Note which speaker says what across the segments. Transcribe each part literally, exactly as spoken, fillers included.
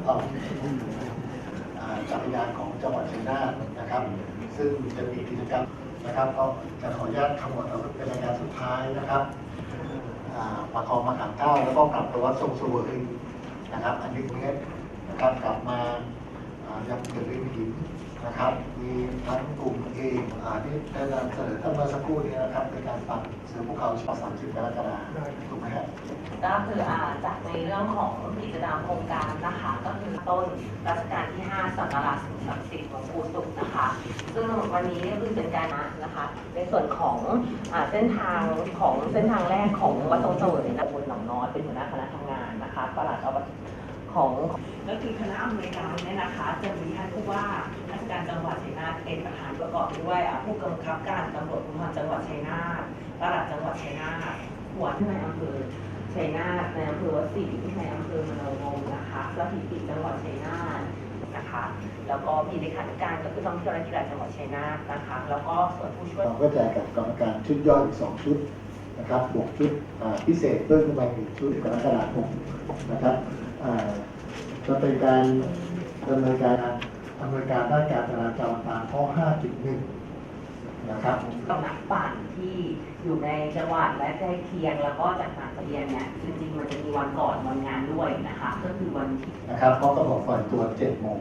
Speaker 1: ต้องจักรยานของจังหวัดชัยนาทนะครับซึ่งจะมีกิจกรรมนะครับก็จะขออนุญาตทั้งหมดเอาเป็นรายการสุดท้ายนะครับประคองมะขามเก้าแล้วก็กลับไปวัดทรงเสวยนะครับอันนี้เนี้ยนะครับกลับมายังเกิดเรื่องหินนะครับมีทั้งกลุ่มเองที่ได้นำเสนอตั้งเมื่อสักครู่นี้นะครับในการปั่นเสือภูเขาฉบับสามสิบกรกฎาคมถูกไหมครับ
Speaker 2: ก็คืออ่าจากในเรื่องของกิจกรรมโครงการนะคะก็คือต้นรัชกาลที่ห้าสังฆราชสิ่งศักดิ์สิทธิ์หลวงปู่ศุกร์นะคะซึ่งวันนี้ก็คือเป็นการนะคะในส่วนของอ่าเส้นทางของเส้นทางแรกของวัดทรงเสวยนะบนหนองน้อยเป็นหัวหน้าคณะทำงานนะคะปลัดอบตของก็คือคณะอำนวยการเนี่ยนะคะจะมีท่านผู้ว่าราชการจังหวัดชัยนาทเป็นประธานประกอบด้วยผู้กำกับการตำรวจภูธรจังหวัดชัยนาทปลัดจังหวัดชัยนาทหัวหน้าอำเภอชัยนาทในอำเภอวัดศรีในอำเภอมโนรมนะคะสถิติจังหวัดชัยนาทนะคะแล้วก็มีเลขาธิการก็คือท่องเที่ยวและกีฬาจังหวัดชัยนาทนะคะแล้วก็ส่วนผู้ช่วย
Speaker 1: เราก็จะกับกรรมการชุดย่อยอีกสองชุดนะครับบวกชุดพิเศษเพิ่มขึ้นมาอีกชุดกรกฎาคมนะครับจะเป็นการดำเนินการดำเนินการด้านการจราจรตามข้อ ห้าจุดหนึ่ง นะครับ
Speaker 2: กำลังปั่นที่อยู่ในจังหวัดและใกล้เคียงแล้วก็จากต่างประเทศเนี่ยจริงๆมันจะมีวันก่อนวันงานด้วยนะคะก็คือวันที่
Speaker 1: นะครับเพราะก็บอกฝ่ายตัวเจ็ดโมง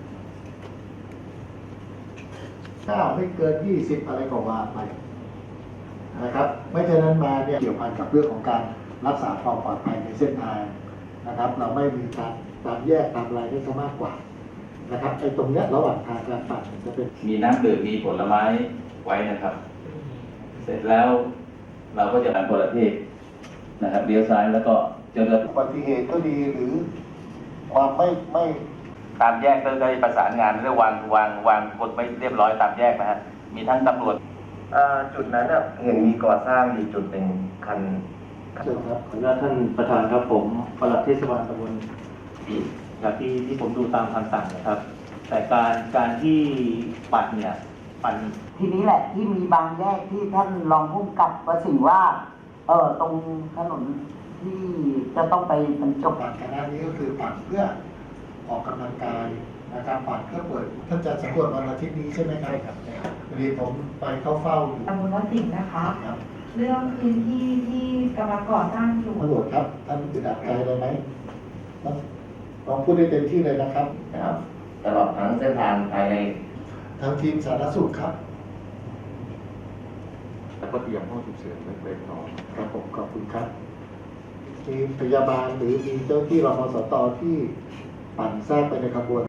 Speaker 1: ถ้าไม่เกินยี่สิบอะไรก็ว่าไปนะครับไม่เช่นนั้นมาเนี่ยเกี่ยวพันกับเรื่องของการรักษาความปลอดภัยในเส้นทางนะครับเราไม่มีการตามแยกตามอะไรได้ซะมากกว่านะครับไอ้ตรงเนี้ยระหว่างทางการปั่นจะเป็น
Speaker 3: มีน้ำดื่มมีผลไม้ไว้นะครับ เสร็จแล้วเราก็จะผ่านประเทศนะครับเลี้ยวซ้ายแล้วก็จะเกิด
Speaker 1: อุบัติเหตุก็ดีหรือความไม่ไม่
Speaker 3: ตามแยกก็ได้ประสานงานเรื่องวางวางวางคนไม่เรียบร้อยตามแยกนะฮะมีทั้งตำรวจ
Speaker 4: จุดนั้นเห็นมีก่อสร้างอยู่จุดหนึ่งคัน
Speaker 1: เชิญครับ
Speaker 5: ขออนุญาตท่านประธานครับผมปลัดเทศบาลตำบลจากที่ที่ผมดูตามคำสั่งนะครับแต่การการที่ปัดเนี่ยปัด
Speaker 6: ทีนี้แหละที่มีบางแยกที่ท่านรองผู้กำกับประสิงห์ว่าเออตรงถนนที่จะต้องไปบรรจบ
Speaker 1: ปั่นคณะนี้ก็คือปั่นเพื่อออกกำลังกายนะครับปั่นเพื่อเปิดท่านจะสำรวจวันอาทิตย์นี้ใช่ไหมครับครับวันนี้ผมไปเข้าเฝ้าอยู่
Speaker 7: ตำบลวัดสิงห์นะคะเรื่องพื้นที่ที่กำลังก่อสร้างอยู่
Speaker 1: ตำรวจครับท่านอึดอัดใจเลยไหมลองพูดได้เต็มที่เลยนะครับ
Speaker 4: ครับตลอดทั้งเส้นทางภายใน
Speaker 1: ทางทีมสาธารณสุขครับ
Speaker 5: แล้วก็เตรียมห้องฉุกเฉินไว้เป็นต่อ
Speaker 1: ครับผมขอบคุณครับมีพยาบาลหรือมีเจ้าที่รมสตที่ปั่นแทรกไปในขบวน